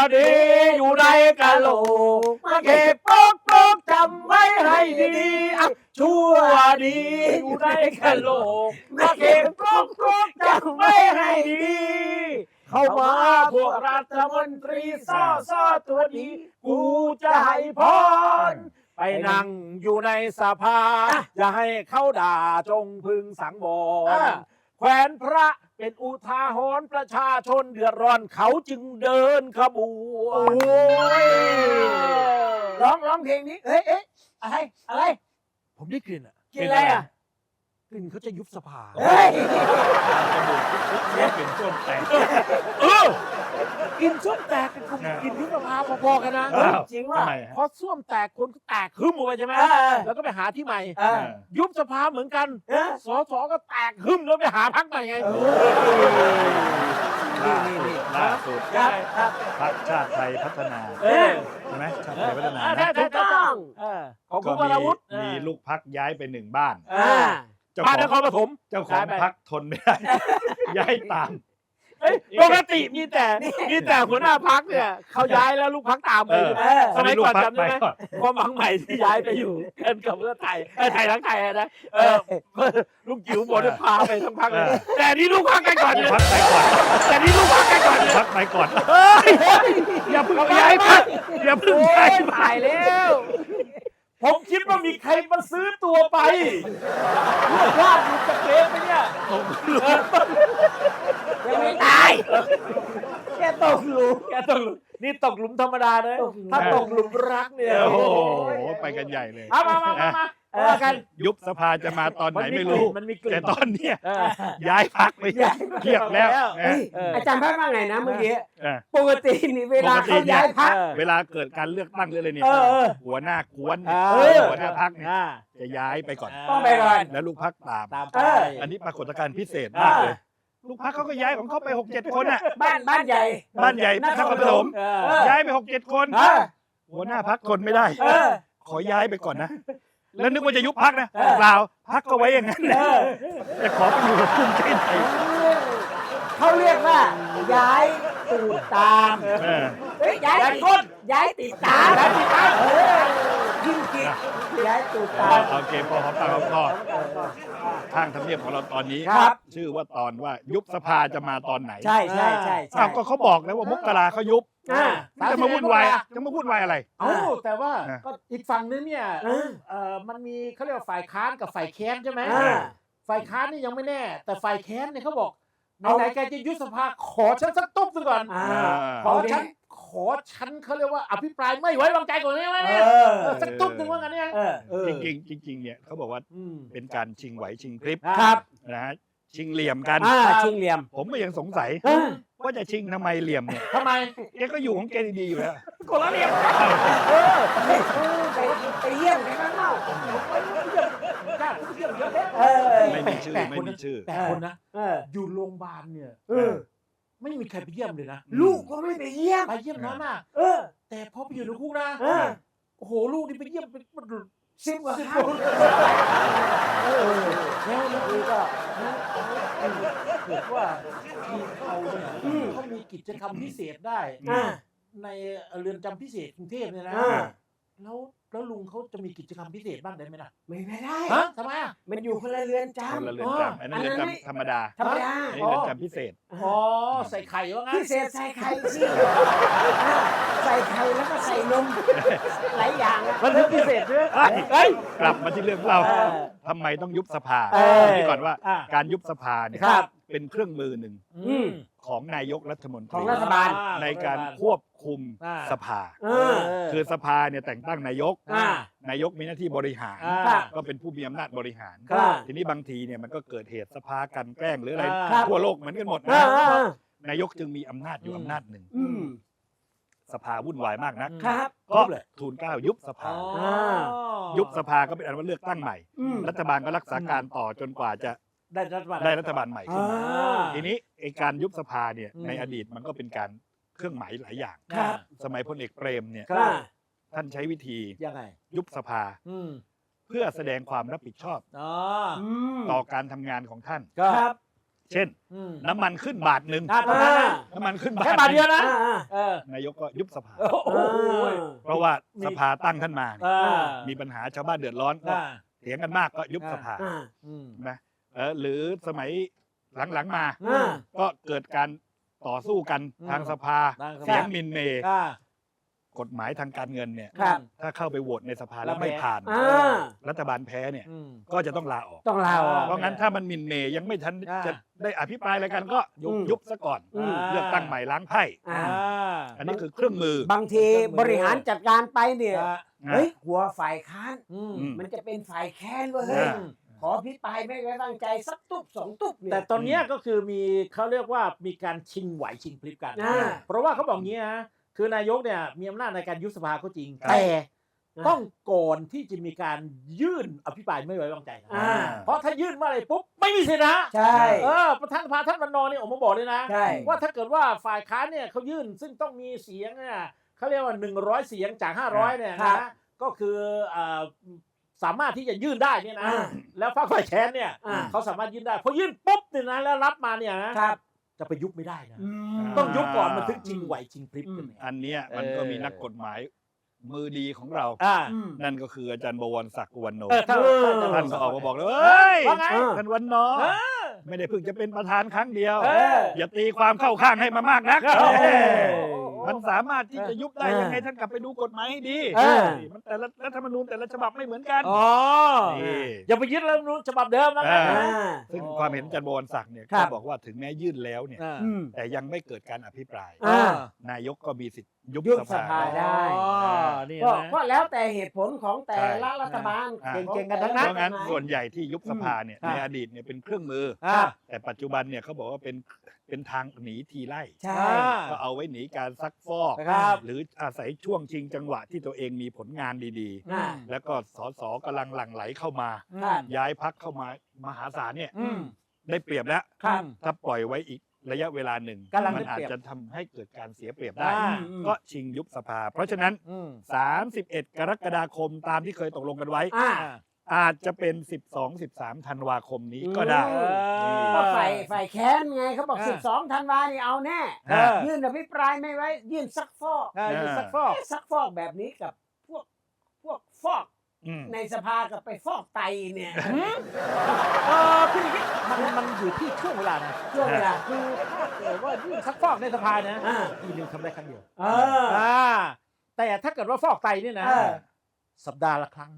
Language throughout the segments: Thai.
ดีอยู่ในกะโหลกมาเก็บปกปกจำไว้ให้ดีๆชั่วดีอยู่ในกะโหลกมาเก็บปกปกจำไว้ให้ดีเข้ามาพวกรัฐมนตรีซ่อตัวดีกูจะให้พรไปนั่งอยู่ในสภาอย่าให้เขาด่าจงพึงสังวรแขวนพระเป็นอุทาหรณ์ประชาชนเดือดร้อนเขาจึงเดินขบวนร้องเพลงนี้เอ๊ะอะไรผมได้กลิ่นอ่ะกินอะไรอ่ะกลิ่นเขาจะยุบสภาเป็นส้วมแตกกินส้วมแตกกับกินยุบสภาพอๆกันนะจริงว่าพอส้วมแตกคนก็แตกหึ่มออกไปใช่ไหมแล้วก็ไปหาที่ใหม่ยุบสภาเหมือนกันสสก็แตกหึ่มแล้วไปหาพรรคใหม่ไงนี่ล่าสุดพรรคชาติไทยพัฒนาใช่ไหมชาติไทยพัฒนาถูกต้องของคุณวรวุฒิมีลูกพรรคย้ายไป1บ้านบ้านนครปฐมเจ้าของพรรคทนไม่ได้ย้ายตามปกติมีแต่หัวหน้าพรรคเนี่ยเขาย้ายแล้วลูกพรรคตามไปสมัยก่อนจำได้ไหมความหวังใหม่ที่ย้ายไปอยู่กันกับเพื่อไทยไทยทั้งไทยนะลุงจิ๋วบอกจะพาไปทั้งพรรคเลยแต่นี่ลูกพรรคกันก่อนพรรคไปก่อนแต่นี่ลูกพรรคกันก่อนพรรคไปก่อนอย่าเพิ่งย้ายพรรคอย่าเพิ่งย้ายไปแล้วผมคิดว่ามีใครมาซื้อตัวไปลูกพลาดอยู่กับเกมไปเนี่ยยังไม่ตายแกตกหลุมนี่ตกหลุมธรรมดาเลยถ้าตกหลุมรักเนี่ยโอ้โหไปกันใหญ่เลยมากันยุบสภาจะมาตอนไหนไม่รู้แต่ตอนเนี้ยย้ายพรรคไปเทียบแล้วอาจารย์ว่าไงนะเมื่อกี้ปกตินี่เวลาเขาย้ายพรรคเวลาเกิดการเลือกตั้งหรืออะไรเนี่ยหัวหน้ากวนหัวหน้าพรรคจะย้ายไปก่อนต้องไปก่อนแล้วลูกพรรคตามอันนี้ปรากฏการณ์พิเศษมากเลยลูกพรรคเขาก็ย้ายของเขาไป 6-7 คนอ่ะบ้านใหญ่นครปฐมย้ายไป 6-7 คนหัวหน้าพรรคทนไม่ได้ขอย้ายไปก่อนนะแล้วนึกว่าจะยุบพรรคนะเปล่าพรรคก็ไว้อย่างนั้นแต่ขอไปอยู่กับภูมิใจไทยเขาเรียกว่าย้ายตูดตามย้ายคนย้ายติดตามยิ่งคิดย้ายตูดตามโอเคพอหอมปากหอมคอทางทำเนียบของเราตอนนี้ชื่อว่าตอนว่ายุบสภาจะมาตอนไหนใช่ก็เขาบอกแล้วว่ามกราเขายุบจะมาวุ่นวายอะไรแต่ว่าก็อีกฝั่งนึงเนี่ยมันมีเขาเรียกว่าฝ่ายค้านกับฝ่ายแค้นใช่ไหมฝ่ายค้านนี่ยังไม่แน่แต่ฝ่ายแค้นเนี่ยเขาบอกไหนแกจะยุบสภาขอฉันสักตุ๊บก่อนขอฉันเขาเรียกว่าอภิปรายไม่ไว้วางใจก่อนได้ไหมเนี่ยสักตุ๊บนึงว่างั้นเนี่ยจริงเนี่ยเขาบอกว่าเป็นการชิงไหวชิงพริบครับนะฮะชิงเหลี่ยมกันชิงเหลี่ยมผมก็ยังสงสัยว่าจะชิงทำไมเหลี่ยมเนี่ยทำไมแกก็อยู่ของแกดีๆอยู่แล้วคนละเหลี่ยมไปเยี่ยมกันข้างนอกไม่มีชื่อแต่คนนะอยู่โรงพยาบาลเนี่ยไม่มีใครไปเยี่ยมเลยนะลูกก็ไม่ไปเยี่ยมน้อยมากแต่พอไปอยู่ในคุกนะโอ้โหลูกนี่ไปเยี่ยมเป็น 10 กว่าคนแล้วนี่ก็เกิดว่าทีเขาเนี่ยเขามีกิจกรรมพิเศษได้ในเรือนจำพิเศษกรุงเทพเนี่ยนะแล้วลุงเขาจะมีกิจกรรมพิเศษบ้างได้ไหมล่ะไม่ได้ทำไมมันอยู่คนละเรือนจำอันนั้นเรือนจำธรรมดาอันนี้เรือนจำพิเศษใส่ไข่ว่างั้นพิเศษใส่ไข่สิใส่ไข่แล้วก็ใส่นมหลายอย่างมันพิเศษด้วยกลับมาที่เรื่องเราทำไมต้องยุบสภาที่ก่อนว่าการยุบสภาเนี่ยเป็นเครื่องมือหนึ่งของนายกรัฐมนตรีของรัฐบาลในการควบคุมสภาคือสภาเนี่ยแต่งตั้งนายกมีหน้าที่บริหารก็เป็นผู้มีอำนาจบริหารทีนี้บางทีเนี่ยมันก็เกิดเหตุสภากันแกล้งหรืออะไรทั่วโลกเหมือนกันหมดนะนายกจึงมีอำนาจอยู่อำนาจหนึ่งสภาวุ่นวายมากนักก็ทูลเกล้ายุบสภายุบสภาก็เป็นอันว่าเลือกตั้งใหม่รัฐบาลก็รักษาการต่อจนกว่าจะได้รัฐบาลใหม่ขึ้นมาทีนี้ไอ้การยุบสภาเนี่ยในอดีตมันก็เป็นการเครื่องหมายหลายอย่างสมัยพลเอกเปรมเนี่ยท่านใช้วิธียุบสภาเพื่อแสดงความรับผิดชอบต่อการทำงานของท่านเช่น น้ำมันขึ้นบาทหนึ่งตอนนั้นนะน้ำมันขึ้นแค่บาทเดียวนะนายกก็ยุบสภาโอ้โหเพราะว่าสภาตั้งท่านมาเนี่ยอ่ามีปัญหาชาวบ้านเดือดร้อนก็อ่าเถียงกันมากก็ยุบสภา นะหรือสมัยหลังๆมา ก็เกิดการต่อสู้กันทางสภาทางสภาเสียงมินเมย์อ่ากฎหมายทางการเงินเนี่ยครับถ้าเข้าไปโหวตในสภาแล้แล้ววไม่แพ้ผ่าน รัฐบาลแพ้เนี่ย ก็จะต้องลาออกต้องลาออกเพราะงั้นถ้ามันมินเมย์ยังไม่ทันจะได้อภิปรายอะไรกันก็ยุบซะก่อน เลือกตั้งใหม่ล้างไพ่ อันนี้คือเครื่องมือบางทีบริหารจัดการไปเนี่ยอ่าเฮ้ยกลัวฝ่ายค้านมมันจะเป็นฝ่ายแค้นเว้ยอ่าขอพิปรายไม่ไว้วางใจสักตุ๊บสองตุ๊บเนี่ยแต่ตอนเนี้ยก็คือมีเขาเรียกว่ามีการชิงไหวชิงพลิบกันอ่าเพราะว่าเขาบอกงี้นะคือนายกเนี่ยมีอำนาจในการยุบสภาก็จริงครับแต่ต้องก่อนที่จะมีการยื่นอภิปรายไม่ไว้วางใจนะอ่าเพราะถ้ายื่นเมื่อไหร่ปุ๊บไม่มีสิทธินะใช่ประธานสภาท่านวันนอร์เนี่ยออกมาบอกเลยนะใช่ว่าถ้าเกิดว่าฝ่ายค้านเนี่ยเขายื่นซึ่งต้องมีเสียงเนี่ยเขาเรียกว่า100เสียงจาก500เนี่ยครันะบก็คือสามารถที่จะยื่นได้เนี่ยนะอ่าแล้วฝ่ายแค้นเนี่ยอ่าเขาสามารถยื่นได้พอยื่นปุ๊บเนี่ยนะแล้วรับมาเนี่ยนะครับ จะไปยุบไม่ได้นะ ต้องยุบก่อนมันถึงชิงไหวชิงพลิบกันเนี่ยอันเนี้ยมันก็มีนักกฎหมายมือดีของเราอ่านั่นก็คืออาจารย์บวรศักดิ์อุวันโนถ้าท่านก็ออกมาบอกเลยเฮ้ยว่าไงท่านวันนอร์ไม่ได้เพิ่งจะเป็นประธานครั้งเดียวเอออย่าตีความเข้าข้างให้มามากนักเออเออมันสามารถที่จะยุบได้ยังไงท่านกลับไปดูกฎหมายให้ดีเออมันแต่ละรัฐธรรมนูญแต่ละฉบับไม่เหมือนกันอ๋อนี่อย่าไปยึดรัฐธรรมนูญฉบับเดิมนะอ่าอ่าซึ่งความเห็นอาจารย์บวรศักดิ์เนี่ยครัก็บบอกว่าถึงแม้ยื่นแล้วเนี่ยอ่าแต่ยังไม่เกิดการอภิปรายอ่านายกก็มีสิทธิ์ยุบยุบสสภาภาได้อ๋อนี่ก็นะก็แล้วแต่เหตุผลของแต่ละรัฐบาลอ่าของเก่งๆกันทั้งเพนั้นราะงั้นส่วนใหญ่ที่ยุบสภาเนี่ยอืมในอดีตเนี่ยเป็นเครื่องมืออ่าแต่ปัจจุบันเนี่ยเขาบอกว่าเป็นทางหนีทีไล่ใช่ก็เอาไว้หนีการซักฟอกครับหรืออาศัยช่วงชิงจังหวะที่ตัวเองมีผลงานดีอ่าๆ แล้วก็สสกำลังหลั่งไหลเข้ามาครับย้ายพักเข้ามามหาศาลเนี่ยอืมได้เปรียบแล้วครับถ้าปล่อยไว้อีกระยะเวลาหนึ่งกำลังมัได้อาเปจรียบจะทำให้เกิดการเสียเปรียบได้อ่าก็ชิงยุบสภา เพราะฉะนั้นอืม 31 กรกฎาคมตามที่เคยตกลงกันไว้อ่าอาจจะเป็น 12-13 ธันวาคมนี้ก็ได้อืมนี่ก็ฝ่ายแค้นไงเขาบอกอ่า 12 ธันวานี่เอาแน่อ่ายื่นอภิปรายไม่ไว้ ยื่นซักฟอกอยู่ซักฟอกซักฟอกแบบนี้กับพวกฟอกอืมในสภากับไปฟอกไตเนี่ยคืออย่างนี้มันอยู่ที่ช่วงเวลานะช่วงเวลาคือถ้าเกิดว่ายื่นซักฟอกในสภานะอ่าปีหนึงทำได้ครั้งเดียวเออแต่ถ้าเกิดว่าฟอกไตเนี่ยนะเออสัปดาห์ละครั้งนะ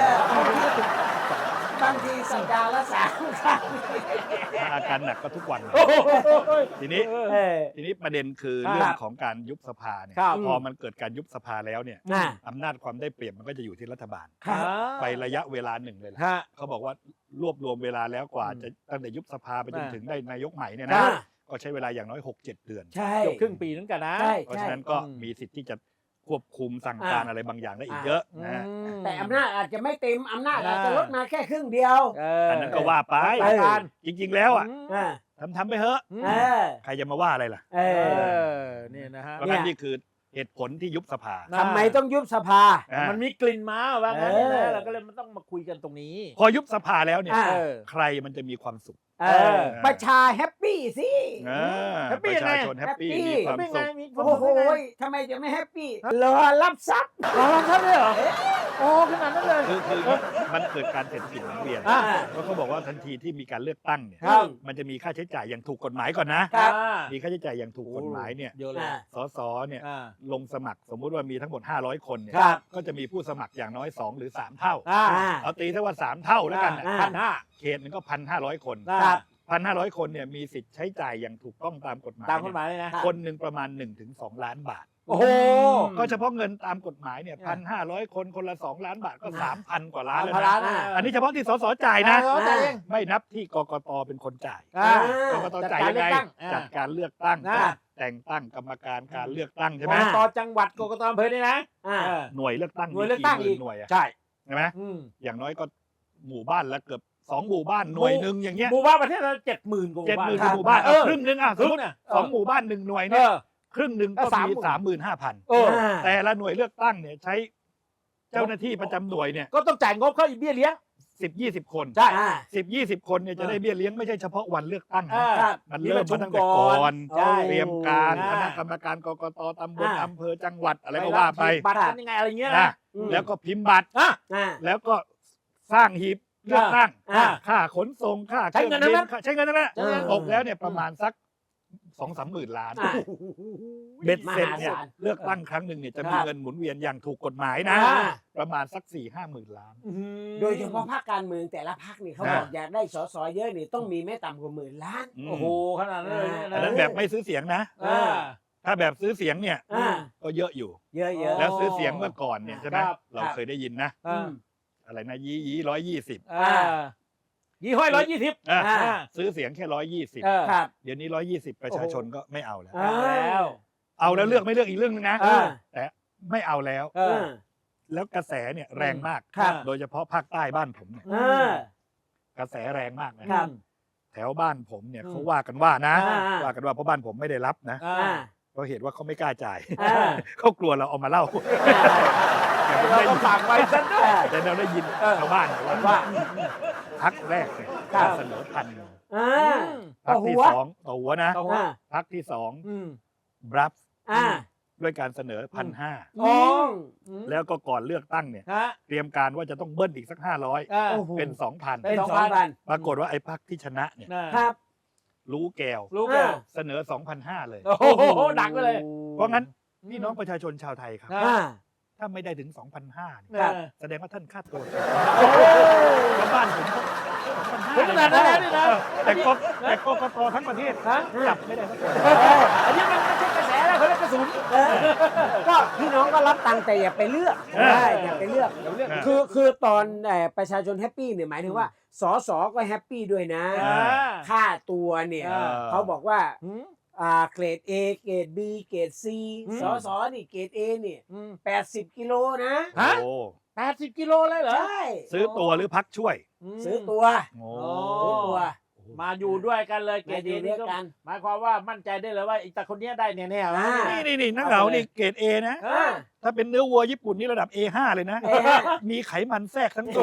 บางทีสัปดาห์ละ3 ครั้งถ้าอาการหนักก็ทุกวันโอ้โหทีนี้เออทีนี้ประเด็นคือครับเรื่องของการยุบสภาเนี่ยครับพอมันเกิดการยุบสภาแล้วเนี่ยอ่าอำนาจความได้เปรียบมันก็จะอยู่ที่รัฐบาลครับไประยะเวลาหนึ่งเลยแหละฮะเขาบอกว่ารวบรวมเวลาแล้วกว่าอืมจะตั้งแต่ยุบสภาไปจนอ่าถึงได้นายกใหม่เนี่ยอ่านะก็ใช้เวลาอย่างน้อย 6-7 เดือนใช่เกือบครึ่งปีนึงกันนะใช่เพราะฉะนั้นก็มีสิทธิ์ที่จะควบคุมสั่งการอะไรบางอย่างได้อีกเยอะนะแต่อำนาจอาจจะไม่เต็มอำนาจอาจจะลดมาแค่ครึ่งเดียวอันนั้นก็ว่าไปไปกันจริง ๆ แล้วอ่ะอ่าทำไปเถอะเออใครจะมาว่าอะไรล่ะเอเออเนี่ยนะฮะเพราะงั้นนี่คือเหตุผลที่ยุบสภาทำไมต้องยุบสภาอ่ามันมีกลิ่นมาว่างั้นเนี่ยเอนะอเราก็เลยมันต้องมาคุยกันตรงนี้พอยุบสภาแล้วเนี่ยอ่าเออใครมันจะมีความสุขเออประชาแฮปปี้สิแฮปปี้ปยังระไงชาชนแฮปปี้แฮปปี้มีความไม่สุไงขมีความโอ้โหสุขได้ไงทำไมจะไม่แฮปปี้รอรับทรัพย์รอครับเลยเหรอโอ้ขนาดนั้นเลยคือมันเกิดการเศรษฐกิจหมุนเวียนอ่าเพราะเขาบอกว่าทันทีที่มีการเลือกตั้งเนี่ยครับมันจะมีค่าใช้จ่ายอย่างถูกกฎหมายก่อนนะครับมีค่าใช้จ่ายอย่างถูกกฎหมายเนี่ยเยอะเลยอ่าสสเนี่ยอ่าลงสมัครสมมุติว่ามีทั้งหมด500 คนเนี่ยครับก็จะมีผู้สมัครอย่างน้อย2หรือ3เท่าอ่าเอาตีถ้าว่า3เท่าแล้วกันน่ะอ่า 1,500เขตหนึงก็1,500 คนครับ 1,500 คนเนี่ยมีสิทธิ์ใช้จ่ายอย่างถูกต้องตามกฎหมายตามกฎหมายเลยนะคนหนึ่งประมาณ 1-2 ล้านบาทโอ้โหก็เฉพาะเงินตามกฎหมายเนี่ย1,500 คนคนละ2 ล้านบาทก็ 3,000 กว่าล้านแล้ว 3,000ล้านะนอันนี้เฉพาะที่สสจ่ายนะจ่ายเองไม่นับที่กกตเป็นคนจ่ายอ่ากกตจ่ายยังไงจัดการเลือกตั้งจัดการเลือกตั้งอ่าแต่งตั้งกรรมการการเลือกตั้งใช่กไหมกตจังหวัดกกตอำเภอนี่นะอ่าเออหน่วยเลือกตั้งหน่วยเลือกตั้งมีอีกี่กหมื่นหน่วยอะใช่ใช่ไหมอืมอย่างน้อยก็หมู่บ้านละเกือบ2 หมู่บ้านหน่วยหนึ่งอย่างเงี้ยหมู่บ้านประเทศเรา70,000กว่า 70,000 คหมู่บ้านเออครึ่งหนึงอ่ะสมมติเนี่ย 2 หมู่บ้าน1หน่วยเอเนี่ยอครึ่งหนึ่งก็ก็มี 30,000 35,000 เออแต่ละหน่วยเลือกตั้งเนี่ยใช้เจ้าหน้าที่ประจำหน่วยเนี่ยก็ต้องจ่ายงบเข้าอีกเบี้ยเลี้ยง 10-20 คนใช่ 10-20 คนเนี่ยจะได้เบี้ยเลี้ยงไม่ใช่เฉพาะวันเลือกตั้งอ่านะมันเริ่มมาตั้งแต่ก่อนใช่เตรียมการอ่าคณะกรรมการกกตตำบลอ่าอำเภอจังหวัดอะไรก็ว่าไปบัตรกันยังไงอะไรเงี้ยนะนะแล้วก็พิมพ์บัตรอ่ะแล้วก็สร้างหีบเลือกตั้งอ่าค่าขนส่งค่าใช้เงินทั้งนั้นใช้เงินทั้งนั้นใช้เงินตกแล้วเนี่ยประมาณสัก 2-3 หมื่นล้านอ่าเบ็ดเสร็จเนี่ยมหาศาลเลือกตั้งครั้งหนึ่งเนี่ยจะมีครับเงินหมุนเวียนอย่างถูกกฎหมายนะอ่าประมาณสัก 4-5 หมื่นล้านโดยเฉพาะภาคการเมืองแต่ละภาคนี่เขาบอกอยากได้สสเยอะนี่ต้องมีไม่ต่ำกว่า10,000,000,000 โอ้โหขนาดนั้นเลยอันนั้นแบบไม่ซื้อเสียงนะอ่าถ้าแบบซื้อเสียงเนี่ยอ่าก็เยอะอยู่เยอะๆแล้วซื้อเสียงเมื่อก่อนเนี่ยใช่ไหมครับเราเคยได้ยินนะอ่าอะไรนะยี่120 อ่ายี่ห้อย120 ซื้อเสียงแค่120 ครับเดี๋ยวนี้120ประชาชนก็ไม่เอาแล้วอ่าแล้วเอาแล้วเลือกไม่เลือกอีกเรื่องนึงนะอ่าแต่ไม่เอาแล้วเออแล้วกระแสเนี่ยแรงมากครับโดยเฉพาะภาคใต้บ้านผมเนี่ยอ่ากระแสแรงมากนะครับ แถวบ้านผมเนี่ยอืมเขาว่ากันว่านะอ่าว่ากันว่าเพราะบ้านผมไม่ได้รับนะอ่าอ่าเพราะเหตุว่าเขาไม่กล้าจ่ายอ่าเขากลัวเราเอามาเล่าแต่ผมเราได้ก็ยินฝากไว้ซะด้วยแต่เราได้ยินเออชาวบ้านเนี่ยว่าว่าพักแรกเนี่ยครับเสนอ1,000 อ่าพักที่ต่อหัวสองต่อหัวนะต่อหัวพักที่สองอืมบรับอ่าด้วยการเสนอ 1,500 อ๋อแล้วก็ก่อนเลือกตั้งเนี่ยฮะเตรียมการว่าจะต้องเบิ้ลอีกสักอ่าโอ้โห 500 เป็นเป็น 2,000 2,000 ปรากฏว่าไอ้พักที่ชนะเนี่ยครับรู้แก้วรู้แกเสนอ 2,500 เลยโอ้โหดังไปเลยเพราะงั้นพี่น้องประชาชนชาวไทยครับอ่าอ่าถ้าไม่ได้ถึง 2,500เนี่ยครับแสดงว่าท่านค่าตัวโอ้โหชาวบ้านผมก็ถึงขนาดนั้นแล้วนี่นะแต่กกตทั้งประเทศฮะจับไม่ได้สักคนอันนี้มันไม่ใช่กระแสแล้วเขาเรียกกระสุนเออก็พี่น้องก็รับตังค์แต่อย่าไปเลือกอย่าไปเลือกเดี๋ยวเรื่องคือตอนประชาชนแฮปปี้เนี่ยหมายถึงว่าสสก็แฮปปี้ด้วยนะอ่าค่าตัวเนี่ยอ่าเขาบอกว่าอืมเกรด A เกรด B เกรด C อืมสสนี่เกรด A นี่อืม 80 กิโลนะฮะโอ้ 80 กิโลเลยเหรอใช่ซื้อตัวหรือพักช่วยซื้อตัวโอ้ซื้อตัวมาอยู่ด้วยกันเลยเกรมาดอยู่เอด้นี่วยก็กันหมายความว่ามั่นใจได้เลยว่าไอ้ตาคนเนี้ยได้แน่ๆอ่านี่นักเหงานี่เกรด A นะอ่าถ้าเป็นเนื้อวัวญี่ปุ่นนี่ระดับ A5 เลยนะ A5 มีไขมันแทรกทั้งตัว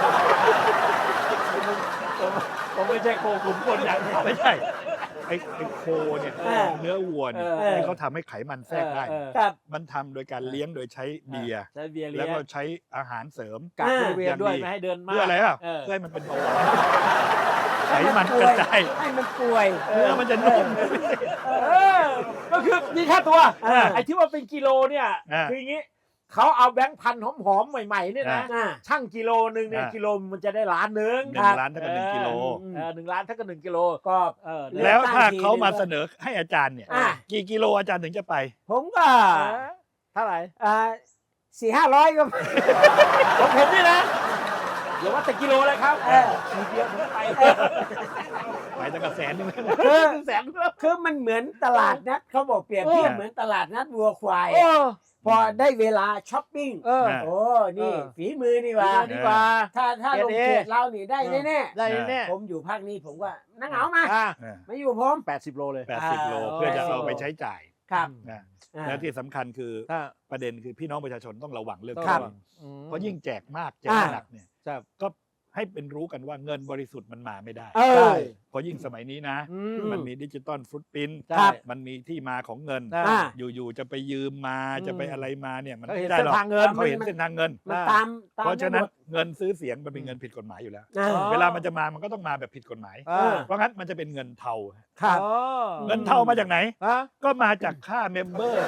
ผมไม่ใช่โคขุนคนอย่างนี้ไม่ใช่ไอ้โคเนี่ยเออเนื้อวัวเนี่ยเออที่เขาทำให้ไขมันแทรกได้ครับมันทำโดยการเลี้ยงโดยใช้เบียร์ใช้เบียร์เลี้แล้ยว งก็ใช้อาหารเสริมกักบริเวณด้วยอย่างดีไม่ให้เดินมากเพื่ออะไรอ่ะเออเพื่อให้มันเป็นเบาหวานไขมันกระจายให้มันป่วยเนื้อมันจะนุ่มเออก็คือมีค่าตัวเออไอ้ที่ว่าเป็นกิโลเนี่ยอ่าคืออย่างนี้เขาเอาแบงค์พันหอมๆใหม่ๆเนี่ยนะอ่าช่างกิโลนึงเนี่ยอ่ากิโลมันจะได้ล้านหนึ่ง 1 ล้านเท่ากับ1 กิโล 1 ล้านเท่ากับ1 กิโลก็เออเลือกแล้วถ้าตั้งทีเขามานึงก็เสนอให้อาจารย์เนี่ยอ่ะกี่กิโลอาจารย์ถึงจะไปผมก็เท่าไหร่ 400-500 ก็ของผมนี่นะเดี๋ยวว่าแต่กิโลเลยครับเออทีเดียวผมไปไปตั้งแต่100,000 คือแสนแล้วคือมันเหมือนตลาดนัดเขาบอกเปรียบเทียบเหมือนตลาดนัดวัวควายโอ้พอได้เวลาช้อปปิ้งเออโอ้ นี่เออฝีมือนี่หว่าดีกว่าถ้าลงเกรด A เขตเรานี่ได้แน่ได้แน่ๆผมอยู่ภาคนี้ผมว่านักเหงามาอ่ามาอยู่ผม 80 โลเลย 80 โลเพื่อจะเอาไปใช้จ่ายครับนะอ่าและที่สำคัญคือถ้าประเด็นคือพี่น้องประชาชนต้องระวังเรื่องครับนี้อืมเพราะยิ่งแจกมากแจกอ่าหนักเนี่ยครับก็ให้เป็นรู้กันว่าเงินบริสุทธิ์มันมาไม่ได้เอใช่อเพราะยิ่งสมัยนี้นะอืมมันมีดิจิตอลฟุตปรินท์ครับมันมีที่มาของเงินอ่าอยู่ๆจะไปยืมมาอืมจะไปอะไรมาเนี่ยมันเขาเห็นไม่ได้หรอกเส้นทางเงินเขาเห็นเส้นทางเงินมันอ่าตามเพราะฉะนั้นได้หมดเงินซื้อเสียงมันเป็นเงินผิดกฎหมายอยู่แล้วอ่าอ๋อเวลามันจะมามันก็ต้องมาแบบผิดกฎหมายอ่าเพราะงั้นมันจะเป็นเงินเทาครับอ๋อเงินเทามาจากไหนฮะก็มาจากค่าเมมเบอร์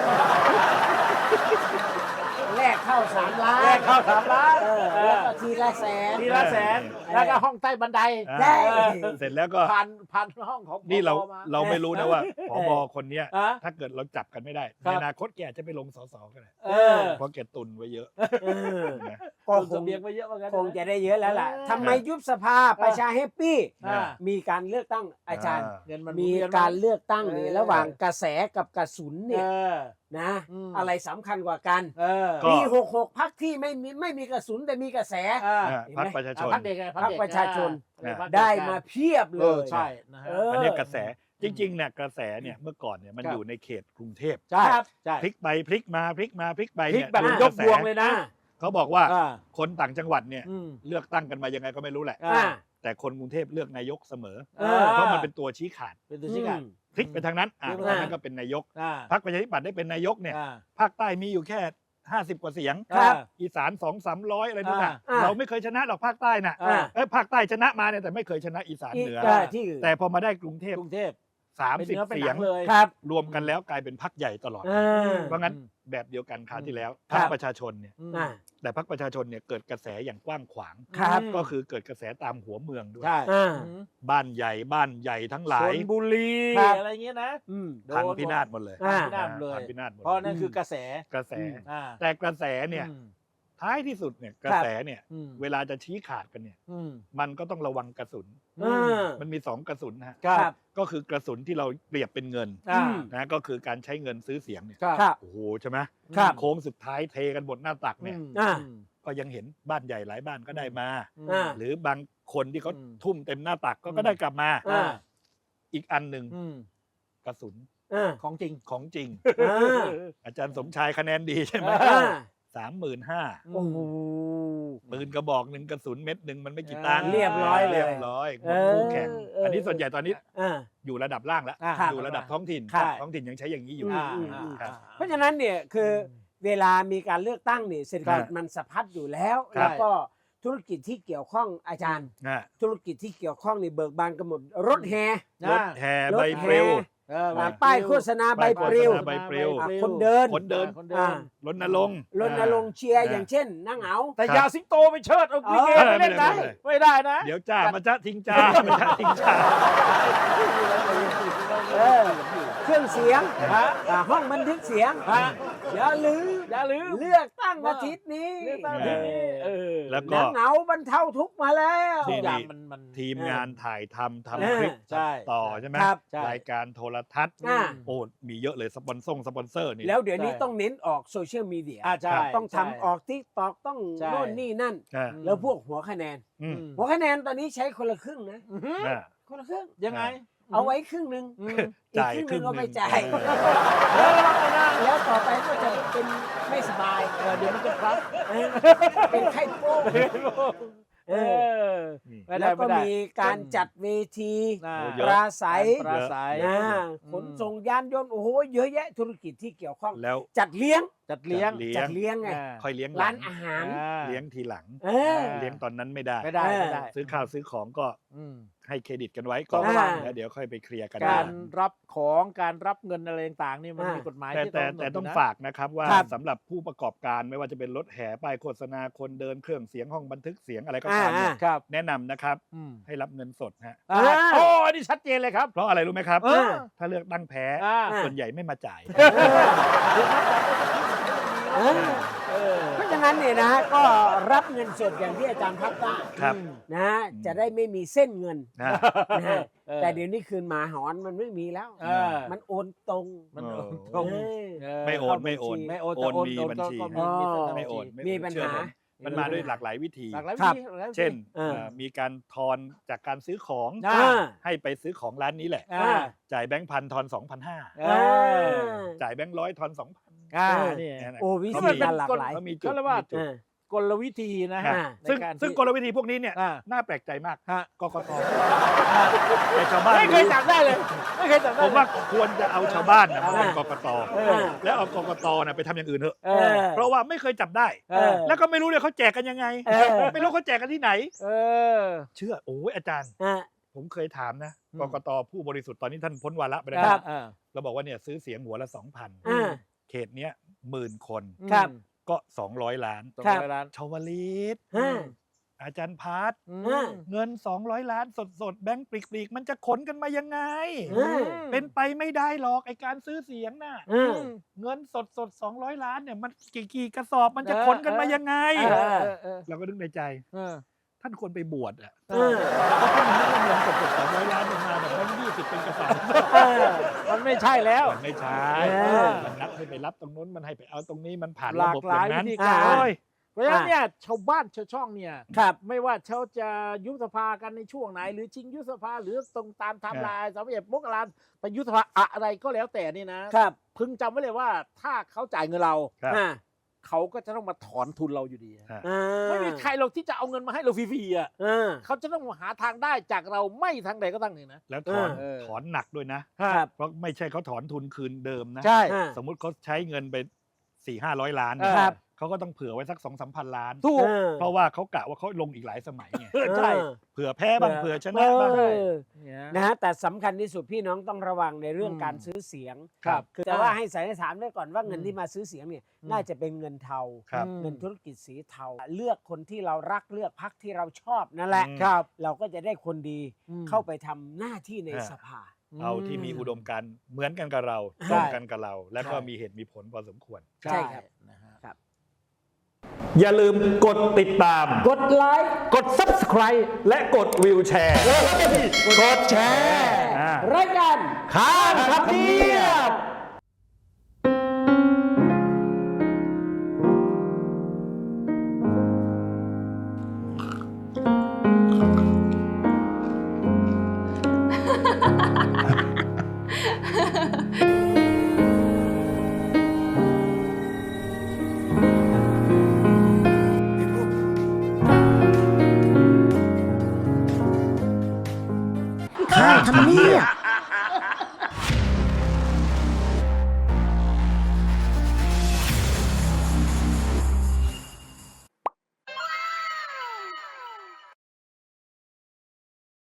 แรกเข้า3 ล้านแรกเข้า3 ล้านแล้วก็ทีละแสนทีละแสน แล้วก็ห้องใต้บันไดใช่เสร็จแล้วก็ผ่านห้องของนี่เราผอมาเราไม่รู้นะว่าผบคนเนี้ยอ่ะถ้าเกิดเราจับกันไม่ได้ครัในบอนาคตแกอาจจะไปลงสสก็ได้เออเพราะแกตุนไว้เยอะเออนะก็ตุนคเสงบียงไว้เยอะเหมือนกันคงจะได้เยอะแล้วล่ะทำไมยุบสภาประชาแฮปปี้อ่ามีการเลือกตั้งอาจารย์เงินมันมีหนวียนการเลือกตั้งนี่เออระหว่างกระแสกับกระสุนเอเนี่ยอนะอืมอะไรสำคัญกว่ากันเออก็ปี66พักที่ไม่มีกระสุนแต่มีกระแสอ่าพรรคประชาชนพรรคเด็กไงพรรคประชาชนอ่พรรคเกได้มาเพียบเลเออย ใช่นะฮะเอออันนี้กระแสจริงๆเนี่ยกระแสเนี่ยเมื่อก่อนเนี่ยมันครับอยู่ในเขตกรุงเทพใช่ครับใช่พลิกไปพลิกมาพลิกมาพลิกไปพลิกเนี่ยแบบดูยกกระแสพวงเลยนะเขาบอกว่าอ่าคนต่างจังหวัดเนี่ยอืมเลือกตั้งกันมายังไงก็ไม่รู้แหละอ่าแต่คนกรุงเทพเลือกนายกเสมออ่าเพราะมันเป็นตัวชี้ขาดเป็นตัวชี้ขาดพลิกไปทางนั้นพลิกไปทาทาง งนั้นั้น นก็เป็นนายกอ่าพรรคประชาธิปัตย์ได้เป็นนายกเนี่ยอ่าภาคใต้มีอยู่แค่50 กว่าเสียงครับอีสาน200-300อะไรนู่นน่ะอ่าเราไม่เคยชนะหรอกภาคใต้น่ะอ่าภาคใต้ชนะมาเนี่ยแต่ไม่เคยชนะอีสานเหนือที่อื่นแต่พอมาได้กรุงเทพกรุงเทพเป็นเนื้อ 30 เป็นเสีหยนังงเลยครับรวมกันแล้วกลายเป็นพรรคใหญ่ตลอดอ่าเพราะงั้นแบบเดียวกันคราวที่แล้วคพรัรรบคประชาชนเนี่ยอืมอ่าแต่พรรคประชาชนเนี่ยเกิดกระแสอย่างกว้างขวางครับก็คือเกิดกระแสตามหัวเมืองด้วยใช่อ่าบ้านใหญ่ทั้งหลาชยลบุรีครับอะไรเงี้ยนะอืมโดพังนพินาศหมดเลยอ่าพินาศเลยพังพินาศหมดเพราะนั่นคือกระแสกระแสอ่าแต่กระแสเนี่ยอืมท้ายที่สุดเนี่ยกระแสเนี่ยอืมเวลาจะชี้ขาดกันเนี่ยอืมมันก็ต้องระวังกระสุนอ่ามันมี2กระสุนนะฮะครับก็คือกระสุนที่เราเปรียบเป็นเงินอ่านะก็คือการใช้เงินซื้อเสียงเนี่ยครับครับโอ้โหใช่ไหมครับโค้งสุดท้ายเทกันบนหน้าตักเนี่ยอ่าก็ยังเห็นบ้านใหญ่หลายบ้านก็ได้มาอ่าหรือบางคนที่เขาอืมทุ่มเต็มหน้าตักก็อืมก็ได้กลับมาอ่าอีกอันหนึ่งอืมกระสุนอ่าของจริงของจริงอ่าอาจารย์สมชายคะแนนดีใช่ไหมอ่า 35,000 โอ้โหปืนกระบอกหนึ่งกระสุนเม็ดหนึ่งมันไม่กี่ตังค์เรียบร้อยเลยเรียบร้อยหมดคู่แข่ง อันนี้ส่วนใหญ่ตอนนี้อ่าอยู่ระดับล่างแล้วอ่าอยู่ระดับท้องถิ่นครับท้องถิ่นยังใช้อย่างนี้อยู่อืมครับเพราะฉะนั้นเนี่ยคือเวลามีการเลือกตั้งเนี่ยเศรษฐกิจมันสะพัดอยู่แล้วครับแล้วก็ธุรกิจที่เกี่ยวข้องอาจารย์นะธุรกิจที่เกี่ยวข้องในเบิกบานกันหมดรถแห่รถแห่รใบถปลิวเอออ่าป้ายโฆษณาใบปลิวใบปลิวคนเดินคนเดินคนเดิอ่านรณรงค์รณรงค์เชียร์อย่างเช่นนั่งเหงาแต่ครับอยาสิงโตไปเชิดเอาลิเกเออไปเล่นนะไม่ได้ไม่ได้นะเดี๋ยวจ้ามาจ้าทิ้งจ้ามาจ้าทิ้งจ้าเออเครื่องเสียงฮะห้องบันทึกเสียงฮะอย่าลืมอย่าลืมเลือกตั้งอาทิตย์นี้เลือกตั้งอาทิตย์นี้เออแล้วก็นั่งเหงาบรรเทาทุกข์มาแล้วทุนี่กอย่างมันทีมงานถ่ายทำเออคลิปใช่ต่อใช่ไหมครับใช่รายการโทรทัศน์อ่าโอ้มีเยอะเลยสปอนเซอร์นี่แล้วเดี๋ยวนี้ใช่ต้องเน้นออกโซเชียลมีเดียใช่ต้องใช่ทำออกทิกตอกต้องใช่โน่นนี่นั่นอ่าแล้วพวกหัวคะแนนอืมหัวคะแนนตอนนี้ใช้คนละครึ่งนะอื้อหืออ่าคนละครึ่งยังไงเอาไว้ครึ่งหนึ่งอืมอีกจ่ายครึ่งหครึ่นึ่งงเอาไปหนึ่งจ่ายเออระวังเลยนะแล้วต่อไปก็จะเป็นไม่สบายเดี๋ยวมันจะพลัดเออเป็นไข้โป้งเออนี่ไม่ได้แล้วก็ไม่ได้มีการจัดเวทีน่าโอ้ปเยอะราศัยปราศัยนะอืมขนส่งยานยนต์โอ้โหเยอะแยะธุรกิจที่เกี่ยวข้องแล้วจัดเลี้ยงจัดเลี้ยงจัดเลี้ยงไงค่อยเลี้ยงหร้าลันงอาหารเลี้ยงทีหลังเออเลี้ยงตอนนั้นไม่ได้ไม่ได้ไม่ได้ซื้อข้าวซื้อของก็อืมให้เครดิตกันไว้ก่อนอ่าแล้วเดี๋ยวค่อยไปเคลียร์กันการทีหลังรับของการรับเงินอะไรต่างๆนี่มันอ่ามีมีกฎหมายแต่ที่แต่กำหนดแต่ต้องยู่นะฝากนะครับว่าครับสำหรับผู้ประกอบการไม่ว่าจะเป็นรถแห่ป้ายโฆษณาคนเดินเครื่องเสียงห้องบันทึกเสียงอะไรก็ตามเนี่ยครับแนะนำนะครับอืมให้รับเงินสดฮะอ่าอ่าโอ้อันนี้ชัดเจนเลยครับเพราะอะไรรู้ไหมครับเออถ้าเลือกตั้งแพ้อ่าส่วนใหญ่ไม่มาจ่ายเออเออเพราะฉะนั้นเนี่ยนะฮะก็รับเงินสดอย่างที่อาจารย์พักตั้งครับนะฮะจะได้ไม่มีเส้นเงินนะนะฮะเออแต่เดี๋ยวนี้คืนหมาหอนมันไม่มีแล้วเออมันโอนตรงมันเออตรงเออไม่โอนไม่โอนไม่โอนโอแต่นโอนมีโอนบัญชีก็อ๋อไม่โอนมีปัญหามันมาด้วยหลากหลายวิธีหลากหลายวิครับธีหลากหลายวิธีเช่นเออมีการทอนจากการซื้อของอ่าให้ไปซื้อของร้านนี้แหละอ่าจ่ายแบงค์พันทอน 2,500 เออจ่ายแบงค์ร้อยทอน 2,000 อ่าเออนี่โอ้วิธีการหลากหลายเขามีจุดเขาเรียกว่ามีจุดเออกลวิธีนะฮะอ่าในซึ่งการซึ่งที่กลวิธีพวกนี้เนี่ยอ่าน่าแปลกใจมากฮะกกตแต่ชาวบ้านไม่เคยจับได้เลย ไม่เคยจับได้ผมว่าควรจะเอาชาวบ้านนะมาเป็นอ่ากกตเออแล้วเอากกตนะไปทำอย่างอื่นเถอะเออเพราะว่าไม่เคยจับได้เออแล้วก็ไม่รู้เลยเขาแจกกันยังไงเออไม่รู้เขาแจกกันที่ไหนเออเชื่อโอ้ยอาจารย์อ่ะผมเคยถามนะอืมกกตผู้บริสุทธิ์ตอนนี้ท่านพ้นวาระไปแล้วครับอ่าเราบอกว่าเนี่ยซื้อเสียงหัวละ 2,000 อ่าเขตเนี้ย10,000 คนครับก็200 ล้านสองครับร้อยล้านชาวลิตอ่าอาจารย์พาร์ทอืมอ่าเงิน200 ล้านสดๆแบงค์ปลีกๆมันจะขนกันมายังไงอืมเป็นไปไม่ได้หรอกไอการซื้อเสียงน่ะอ่าเงินสด200 ล้านเนี่ยมันกี่กระสอบมันจะขนกันมายังไงเออเราก็นึกในใจเออท่านควรไปบวชอ่ะเออเพราะท่านนึกว่าเงินสดๆ200 ล้านมันมาแบบแบงค์20เป็นกระสอบเออมันไม่ใช่แล้วมันไม่ใช่เออมันนัดให้ไปรับตรงนู้นมันให้ไปเอาตรงนี้มันผ่านหระลากบบหลายอย่างนั้นวิธีการโอ้ยเพราะฉะนั้นเนี่ยชาวบ้านชาวช่องเนี่ยครับไม่ว่าเขาจะยุบสภากันในช่วงไหน หรือชิงยุบสภาหรือตรงตามไทม์ไลน์31 มกราคมไปยุบสภาอะไรก็แล้วแต่นี่นะครับ พึงจำไว้เลยว่าถ้าเขาจ่ายเงินเราครับอ่าเขาก็จะต้องมาถอนทุนเราอยู่ดีฮะไม่มีใครหรอกที่จะเอาเงินมาให้เราฟรีๆอ่ะเขาจะต้องหาทางได้จากเราไม่ทางใดก็ทางหนึ่งนะแล้วถอนหนักด้วยนะครับเพราะไม่ใช่เขาถอนทุนคืนเดิมนะใช่สมมุติเขาใช้เงินไป 400-500 ล้านครับเขาก็ต้องเผื่อไว้สัก 2-3 พันล้านถูกเพราะว่าเขากะว่าเขาลงอีกหลายสมัยไงใช่เผื่อแพ้บ้างเผื่อชนะบ้างนะฮะแต่สำคัญที่สุดพี่น้องต้องระวังในเรื่องการซื้อเสียงครับคือแต่ว่าให้สันนิษฐานไว้ก่อนว่าเงินที่มาซื้อเสียงเนี่ยน่าจะเป็นเงินเทาครับเงินธุรกิจสีเทา เลือกคนที่เรารักเลือกพรรคที่เราชอบนั่นแหละครับเราก็จะได้คนดีเข้าไปทำหน้าที่ในสภาเอาที่มีอุดมการณ์เหมือนกันกับเราใช่ตรงกันกับเรา และก็ใช่มีเหตุมีผลพอสมควรใช่ครับนะฮะครับอย่าลืมกดติดตามกดไลค์กด Subscribe และกดวิวแชร์ กดแชร์รายการข้ามทำเนียบข้ามทำเนียบ